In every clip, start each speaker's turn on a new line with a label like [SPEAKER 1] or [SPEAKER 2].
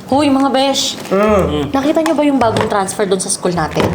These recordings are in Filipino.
[SPEAKER 1] Hoy, mga besh. Nakita niyo ba yung bagong transfer doon sa school natin?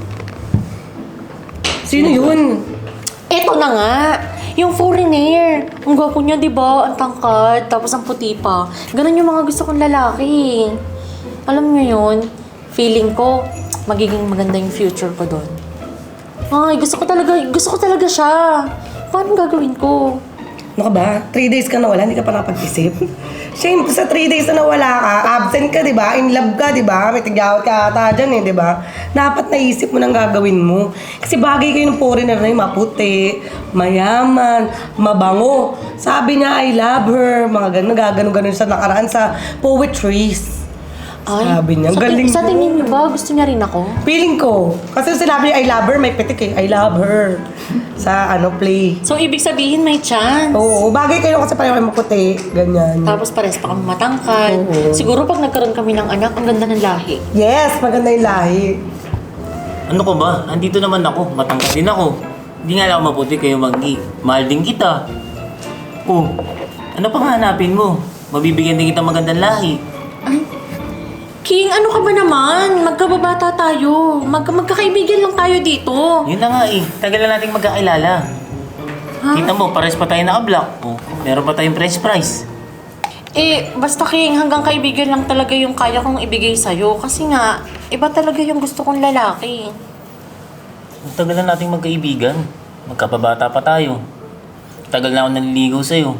[SPEAKER 2] Sino yun?
[SPEAKER 1] Eto na nga. Yung foreigner. Ang gwapo niya, di ba? Ang tangkad, tapos ang puti pa. Ganun yung mga gusto kong lalaki. Alam niyo yun, feeling ko, magiging maganda yung future ko doon. Ay, gusto ko talaga siya. Paano gagawin ko?
[SPEAKER 2] Ano ka ba? 3 days ka nawala, hindi ka pa nakapag-isip? Shame, sa 3 days na nawala ka, absent ka, di ba? In love ka, di ba? May tigyawat ka ata dyan, di ba? Dapat naisip mo nang gagawin mo. Kasi bagay kayo ng foreigner na yung maputi, mayaman, mabango. Sabi niya, I love her. Mga gano'n sa nakaraan sa poetries.
[SPEAKER 1] Ay,
[SPEAKER 2] Sabi niya, galing
[SPEAKER 1] sa
[SPEAKER 2] mo.
[SPEAKER 1] tingin niyo ba, gusto niya rin ako?
[SPEAKER 2] Feeling ko. Kasi sinabi niya, I love her, may pitik eh. I love her. Sa play.
[SPEAKER 1] So, ibig sabihin may chance.
[SPEAKER 2] Oo, bagay kayo kasi pareho kayo maputi. Ganyan.
[SPEAKER 1] Tapos pares pa kami matangkad.
[SPEAKER 2] Oo.
[SPEAKER 1] Siguro pag nagkaroon kami ng anak, ang ganda ng lahi.
[SPEAKER 2] Yes, maganda yung lahi.
[SPEAKER 3] Ano ko ba? Andito naman ako. Matangkad din ako. Hindi nga lang ako maputi kayo Maggie. Mahal din kita. Oh, ano pang hanapin mo? Mabibigyan din kita magandang lahi.
[SPEAKER 1] King, ano ka ba naman? Magkababata tayo. Magkakaibigan lang tayo dito.
[SPEAKER 3] Yun na nga eh. Tagal na nating magkakilala. Kita mo, pares pa tayo naka-block. Oh, meron pa tayong French fries.
[SPEAKER 1] Basta King, hanggang kaibigan lang talaga yung kaya kong ibigay sa'yo. Kasi nga, iba talaga yung gusto kong lalaki.
[SPEAKER 3] Ang tagal na nating magkaibigan. Magkababata pa tayo. Tagal na ako naliligaw sa'yo.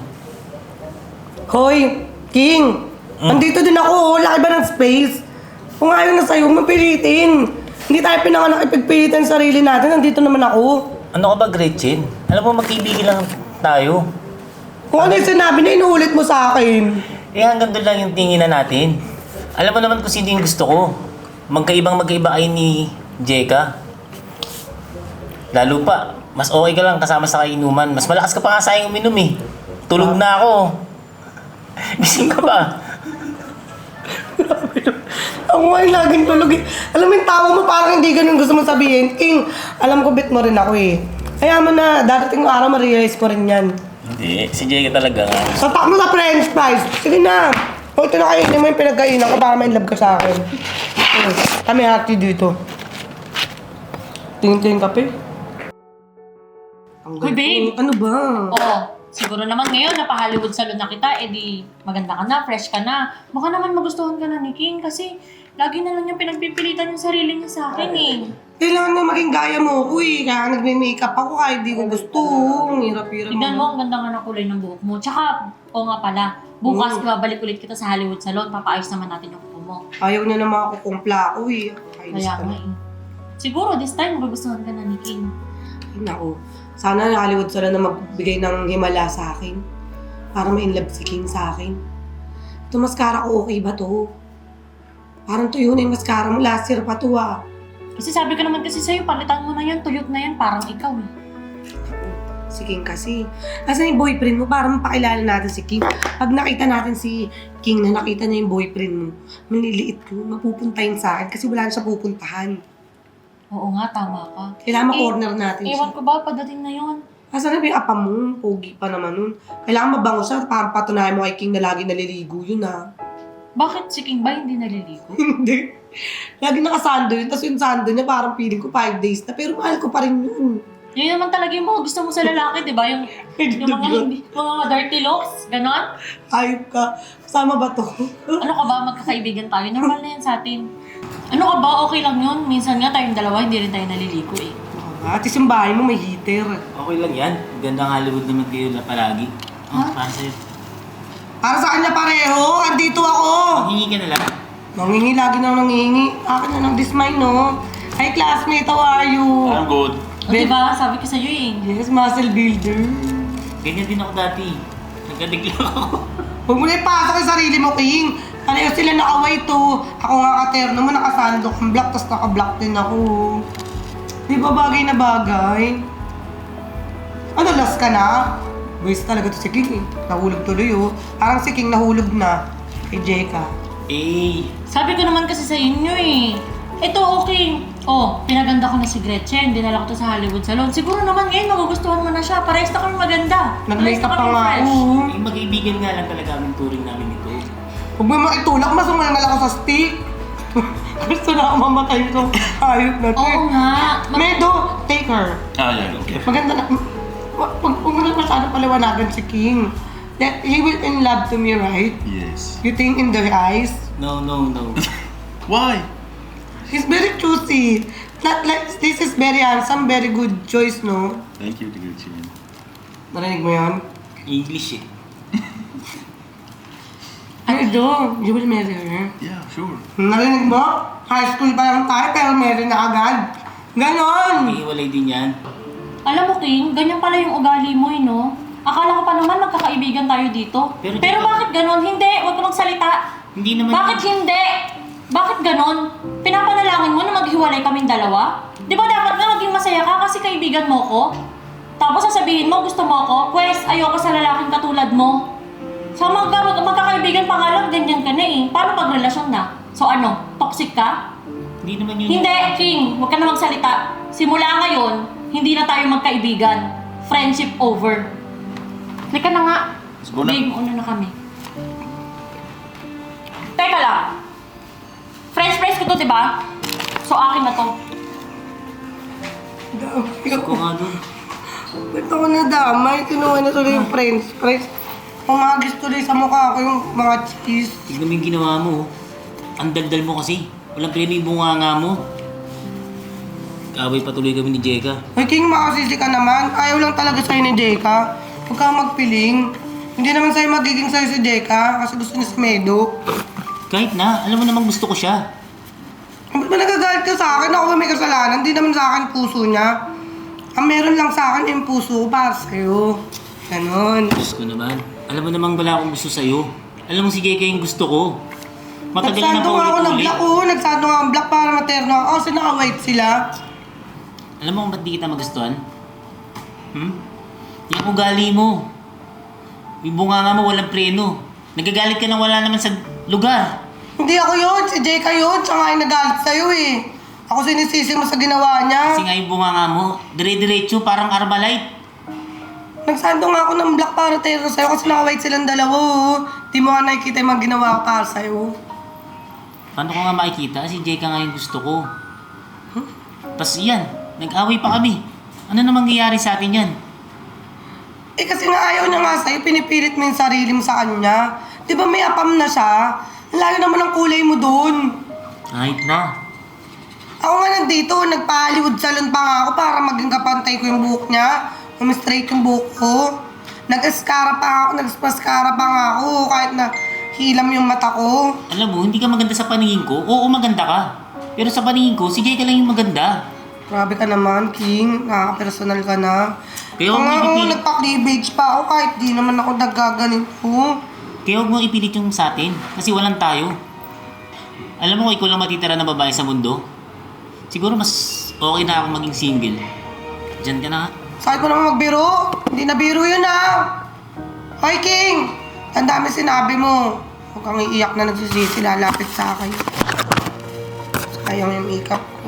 [SPEAKER 2] Hoy, King! Andito din ako, laki ba ng space? Kung ayaw na sa'yo, mapilitin. Hindi tayo pinanganak ipagpilitan sa sarili natin, nandito naman ako.
[SPEAKER 3] Ano ka ba, Gretchen? Alam mo, magkaibigan lang tayo.
[SPEAKER 2] Kung ano yung sinabi na inuulit mo sa akin.
[SPEAKER 3] Hanggang doon lang yung tinginan natin. Alam mo naman kung sino yung gusto ko. Magkaiba kayo ni Jeka. Lalo pa, mas okay ka lang kasama sa kainuman. Mas malakas ka pa nga sa aking uminom eh. Tulog na ako. Gising ka ba?
[SPEAKER 2] Ako ay laging tulog eh. Alam mo yung tawa mo parang hindi ganun gusto mo sabihin. King, alam ko bit mo rin ako eh. Kaya mo na, darating yung araw ma-realize mo rin yan.
[SPEAKER 3] Hindi, si Jeka talaga nga.
[SPEAKER 2] Satak mo sa french fries. Sige na. O ito na kainin mo yung pinagkainan ko para ma-inlove ka sa akin. Kami hati dito. Tingin-tingin kape.
[SPEAKER 1] Hoy, babe!
[SPEAKER 2] Ano ba?
[SPEAKER 1] Oo. Siguro naman ngayon, napa-Hollywood salon na kita, edi maganda ka na, fresh ka na. Baka naman magustuhan ka na ni King kasi lagi na lang yung pinagpipilitan yung sarili niya sa akin eh.
[SPEAKER 2] Kailangan na maging gaya mo ko eh. Kaya nagme-makeup ako kahit di ko gusto. Ang hirap-hirap.
[SPEAKER 1] Tignan mo, ang ganda nga ng kulay ng buhok mo. Tsaka, oo nga pala, bukas babalik ulit kita sa Hollywood salon, papaayos naman natin yung kuko mo.
[SPEAKER 2] Ayaw niya na mga kukumpla ako eh. Kainis
[SPEAKER 1] Kaya
[SPEAKER 2] ka
[SPEAKER 1] nga
[SPEAKER 2] na.
[SPEAKER 1] eh. Siguro this time, magugustuhan ka na ni King.
[SPEAKER 2] Ay, naku. Sana na Hollywood sila na magbigay ng himala sa akin. Para ma-inlove si King sa akin. Ito mascara ko, okay ba to? Parang tuyo na yung mascara mo. Last year pa to ah.
[SPEAKER 1] Kasi sabi ko naman kasi sa'yo, palitan mo na yan, tuyot na yan, parang ikaw eh.
[SPEAKER 2] Si King kasi. Asan yung boyfriend mo? Para mapakilala natin si King. Pag nakita natin si King na nakita niya yung boyfriend mo, manliliit ko, mapupuntahin sa akin kasi wala na siya pupuntahan.
[SPEAKER 1] Oo nga, tama ka.
[SPEAKER 2] Kailangan ma-corner natin
[SPEAKER 1] Ewan
[SPEAKER 2] siya.
[SPEAKER 1] ko ba, padating na yun.
[SPEAKER 2] Asan na ba yung apa mo? Pogi pa naman nun. Kailangan mabango siya para patunayan mo kay King na lagi naliligo yun ah.
[SPEAKER 1] Bakit si King ba hindi naliligo?
[SPEAKER 2] Hindi. Lagi nakasando yun. Tapos yung sando niya parang feeling ko 5 days na. Pero mahal ko pa rin yun.
[SPEAKER 1] Yun naman talaga yung mga gusto mo sa lalaki, di ba? Yung mga dirty looks, ganon.
[SPEAKER 2] Ayop ka. Kasama ba to?
[SPEAKER 1] Ano ka ba, magkakaibigan tayo? Normal na yan sa atin. Ano ka ba, okay lang yun. Minsan nga tayong dalawa, hindi rin tayo naliligo eh.
[SPEAKER 2] At least yung bahay mo may heater.
[SPEAKER 3] Okay lang yan. Gandang Hollywood naman kayo na palagi.
[SPEAKER 1] Ha?
[SPEAKER 3] Para sa'yo.
[SPEAKER 2] Para sa kanya pareho. Andito ako.
[SPEAKER 3] Hingi ka na lang.
[SPEAKER 2] Nangingi. Lagi nang nangingi. Akin na ng this mine, no? Hi, classmate. How are you?
[SPEAKER 3] I'm good.
[SPEAKER 1] O diba, sabi ko sa'yo eh.
[SPEAKER 2] Yes, muscle builder.
[SPEAKER 3] Ganyan din ako dati. Nagkadig lang ako.
[SPEAKER 2] Huwag mo na ipasok yung sarili mo, King. Pareho sila naka-white to. Ako nga ka-terno mo, nakasando kang black, tapos naka-black din ako. Di ba bagay na bagay? Ano, last ka na? Buwis talaga to si King eh. Nahulog tuloy oh. Parang si King nahulog na. Kay Jeka.
[SPEAKER 3] Eh,
[SPEAKER 1] Sabi ko naman kasi sa inyo eh. Ito okay. Oh, pinaganda ko na si Gretchen. Dinala ko to sa Hollywood Salon. Siguro naman ngayon magugustuhan mo na siya. Parehas na kami maganda.
[SPEAKER 2] Nag-makeup pa nga
[SPEAKER 1] fresh.
[SPEAKER 2] ako.
[SPEAKER 3] magkaibigan nga lang talaga ang turing namin ito.
[SPEAKER 2] Huwag mo makitulak, masama na lang ako sa na mamatay ko. Ayop na to.
[SPEAKER 1] Oo nga.
[SPEAKER 2] Medo, take her.
[SPEAKER 4] Yeah, okay.
[SPEAKER 2] Maganda na. Huwag mo na masyado paliwanagan si King. That he will in love to me, right?
[SPEAKER 4] Yes.
[SPEAKER 2] You think in the eyes?
[SPEAKER 3] No, no, no.
[SPEAKER 4] Why?
[SPEAKER 2] He's very choosy. Not like, this is very handsome, very good choice, no?
[SPEAKER 4] Thank you, Gucci.
[SPEAKER 2] Narinig mo yun?
[SPEAKER 3] English eh.
[SPEAKER 2] Medo, you will marry her.
[SPEAKER 4] Yeah, sure.
[SPEAKER 2] Narinig mo? High school pa lang tayo, pero marry na agad. Ganon!
[SPEAKER 3] Iiwalay din yan.
[SPEAKER 1] Alam mo, King, ganyan pala yung ugali mo, no? Akala ko pa naman magkakaibigan tayo dito.
[SPEAKER 3] Pero
[SPEAKER 1] Pero
[SPEAKER 3] dito-
[SPEAKER 1] bakit ganon? Hindi, huwag ka magsalita.
[SPEAKER 3] Hindi naman...
[SPEAKER 1] Bakit hindi? Bakit ganon? Pinapanalangin mo na maghiwalay kaming dalawa? Di ba dapat nga maging masaya ka kasi kaibigan mo ko? Tapos sasabihin mo gusto mo ako? Pwes, ayoko sa lalaking katulad mo. So magkakaibigan pa nga lang, ganyan ka na eh. Paano pag relasyon na? So ano, toxic ka?
[SPEAKER 3] Hindi naman yun.
[SPEAKER 1] Hindi, King, huwag ka na magsalita. Simula ngayon, hindi na tayo magkaibigan. Friendship over. Halika na nga.
[SPEAKER 4] Let's go na.
[SPEAKER 1] Babe, una na kami. Teka lang. French fries ko to, di ba? So, akin na to.
[SPEAKER 3] Gusto ko nga dun.
[SPEAKER 2] Ba't ako nadamay? Kinuha na tuloy yung french fries. Umagis tuloy sa mukha ko yung mga cheese.
[SPEAKER 3] Tignan mo yung ginawa mo. Oh. Ang daldal mo kasi. Walang preno yung bunganga mo. Kaaway patuloy kami ni Jeka.
[SPEAKER 2] Ay, King, makasisi ka naman. Ayaw lang talaga sa'yo ni Jeka. Huwag kang magpiling. Hindi naman sa'yo magiging sa'yo si Jeka kasi gusto niya si Medo.
[SPEAKER 3] Kahit na, alam mo namang gusto ko siya.
[SPEAKER 2] Ba't ba nagagalit ka sa akin? Ako ba may kasalanan? Hindi naman sa akin puso niya. Ang meron lang sa akin yung puso ko para sa'yo. Ganon.
[SPEAKER 3] Diyos ko naman. Alam mo namang wala akong gusto sa'yo. Alam mo si Jeka yung gusto ko. Matagal na
[SPEAKER 2] Nagsando nga ako ng
[SPEAKER 3] paulit-ulit.
[SPEAKER 2] black ko. Nagsando nga ang black para materno ako kasi naka-white sila.
[SPEAKER 3] Alam mo kung ba't di kita magustuhan? Yung ugali mo. Yung bunganga mo walang preno. Nagagalit ka nang wala naman sa lugar.
[SPEAKER 2] Hindi ako yun. Si Jeka yun. Siya nga yung nagalit sa'yo eh. Ako sinisisi mo sa ginawa niya.
[SPEAKER 3] Kasi nga yung bunganga mo, dire-diretso parang Armalite.
[SPEAKER 2] Nagsando nga ako ng black para terno sa'yo kasi naka-white silang dalawa. Oh. Di mo nga nakikita yung mga ginawa ko para sa'yo.
[SPEAKER 3] Paano ko nga makikita? Si Jeka nga yung gusto ko. Tapos yan, nag-away pa kami. Ano na mangyayari sa atin yan?
[SPEAKER 2] Eh kasi nga ayaw niya nga sa'yo, pinipilit mo yung sarili mo sa kanya. Di ba may apam na siya? Ang layo naman ang kulay mo doon.
[SPEAKER 3] Kahit na.
[SPEAKER 2] Ako nga nandito, nagpa-Hollywood salon pa nga ako para maging kapantay ko yung buhok niya. Straight yung buhok ko. Nag-mascara pa nga ako kahit na hilam yung mata ko.
[SPEAKER 3] Alam mo, hindi ka maganda sa paningin ko. Oo, maganda ka. Pero sa paningin ko, si Jeka lang yung maganda.
[SPEAKER 2] Grabe ka naman, King. Nakaka-personal ka na.
[SPEAKER 3] Kaya
[SPEAKER 2] Kung
[SPEAKER 3] huwag
[SPEAKER 2] nga
[SPEAKER 3] mo
[SPEAKER 2] ako,
[SPEAKER 3] ipilit.
[SPEAKER 2] nagpa-cleavage pa ako kahit di naman ako naggaganito.
[SPEAKER 3] Kaya huwag mo ipilit yung sa atin. Kasi walang tayo. Alam mo, ikaw lang matitira na babae sa mundo. Siguro mas okay na ako maging single. Diyan ka na nga.
[SPEAKER 2] Sakit mo naman magbiro. Hindi na biro yun ah. Hoy, King! Ang dami sinabi mo. Huwag kang iiyak na nagsisisi, lalapit sa akin. Sayang yung makeup ko.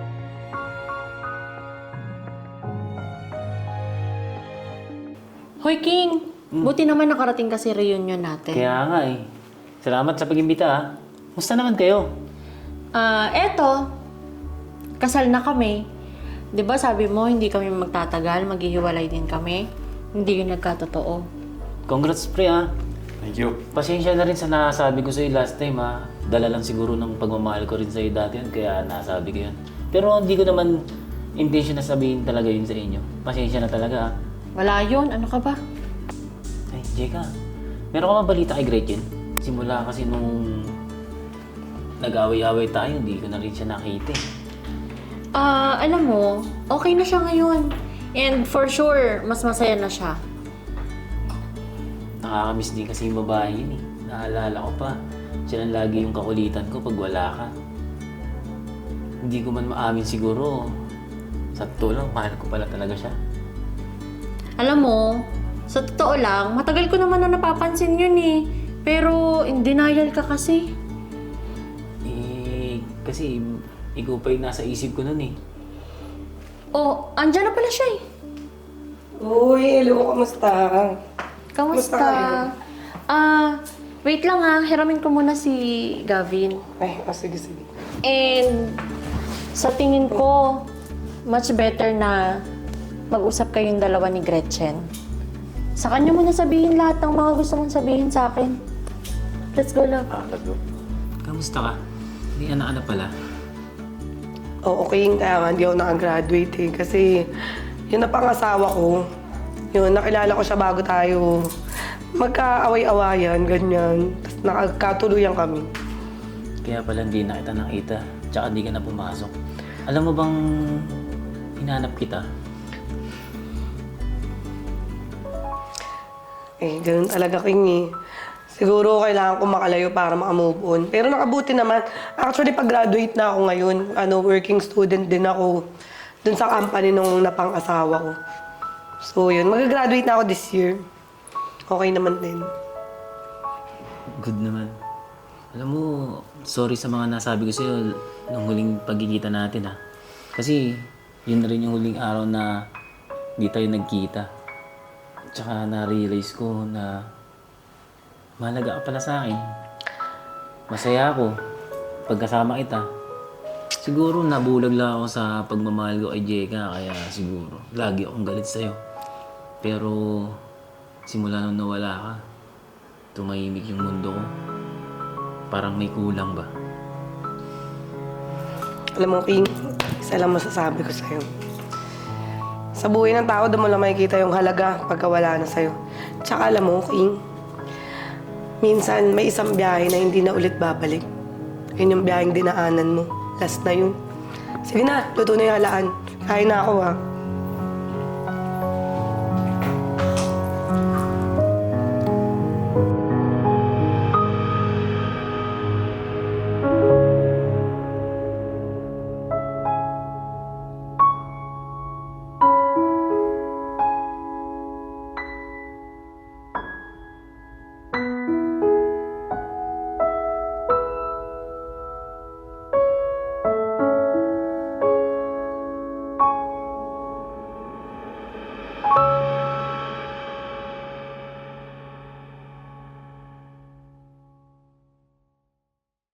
[SPEAKER 1] Hoy, King. Buti naman nakarating kasi reunion natin.
[SPEAKER 3] Kaya nga eh. Salamat sa pag-imbita ha. Musta naman kayo?
[SPEAKER 1] Eto. Kasal na kami. 'Di ba sabi mo hindi kami magtatagal, maghihiwalay din kami. Hindi yun nagkatotoo.
[SPEAKER 3] Congrats pre ha.
[SPEAKER 4] Thank you.
[SPEAKER 3] Pasensya na rin sa nasabi ko sa'yo last time ha. Dala lang siguro ng pagmamahal ko rin sa'yo dati yun, kaya nasabi ko yun. Pero hindi ko naman intention na sabihin talaga yun sa inyo. Pasensya na talaga ha.
[SPEAKER 1] Wala yun. Ano ka ba?
[SPEAKER 3] Ay, Jeka, meron ka ba balita kay Gretchen? Simula kasi nung nag-away-away tayo, hindi ko na rin siya nakita eh.
[SPEAKER 1] Alam mo, okay na siya ngayon. And for sure, mas masaya na siya.
[SPEAKER 3] Nakakamiss din kasi yung babae yun eh. Naalala ko pa, siya lang lagi yung kakulitan ko pag wala ka. Hindi ko man maamin siguro. Sa totoo lang, mahal ko pala talaga siya.
[SPEAKER 1] Alam mo, sa totoo lang, matagal ko naman na napapansin yun eh. Pero in denial ka kasi.
[SPEAKER 3] Kasi ikaw pa yung nasa isip ko nun eh.
[SPEAKER 1] Oh, andyan na pala siya eh.
[SPEAKER 2] Uy, hello, kamusta?
[SPEAKER 1] Kamusta?
[SPEAKER 2] Kamusta
[SPEAKER 1] Wait lang ha. Hiramin ko muna si Gavin.
[SPEAKER 2] Ay, sige, sige.
[SPEAKER 1] And sa tingin ko, much better na mag-usap kayong dalawa ni Gretchen. Sa kanya mo na sabihin lahat ng mga gusto mong sabihin sa akin. Let's go, love.
[SPEAKER 4] Let's go.
[SPEAKER 3] Kamusta ka? May anak-anak pala.
[SPEAKER 2] Oo, okay, kaya nga hindi ako nakagraduate eh. Kasi yun na pangasawa ko. Yun, nakilala ko siya bago tayo magkaaway-awayan, ganyan. Tapos nakagkatuluyan kami.
[SPEAKER 3] Kaya pala hindi na kita nakita. Tsaka hindi ka na pumasok. Alam mo bang hinanap kita?
[SPEAKER 2] Eh, ganun talaga King eh. Siguro kailangan ko makalayo para makamove on. Pero nakabuti naman. Actually, pag-graduate na ako ngayon, working student din ako dun sa company nung napang-asawa ko. So yun, mag-graduate na ako this year. Okay naman din.
[SPEAKER 3] Good naman. Alam mo, sorry sa mga nasabi ko sa'yo nung huling pagkikita natin ha. Kasi yun na rin yung huling araw na hindi tayo nagkita. Tsaka na-realize ko na mahalaga ka pala sa akin. Masaya ako pagkasama kita. Siguro nabulag lang ako sa pagmamahal ko kay Jeka, kaya siguro lagi akong galit sa'yo. Pero simula nung nawala ka, tumahimik yung mundo ko. Parang may kulang ba?
[SPEAKER 2] Alam mo, King, isa lang masasabi ko sa'yo. Sa buhay ng tao, doon mo lang makikita yung halaga pagka wala na sa'yo. Tsaka alam mo, King, minsan may isang biyahe na hindi na ulit babalik. Yun yung biyaheng dinaanan mo. Last na yun. Sige na, luto na yung halaan. Kain na ako, ha.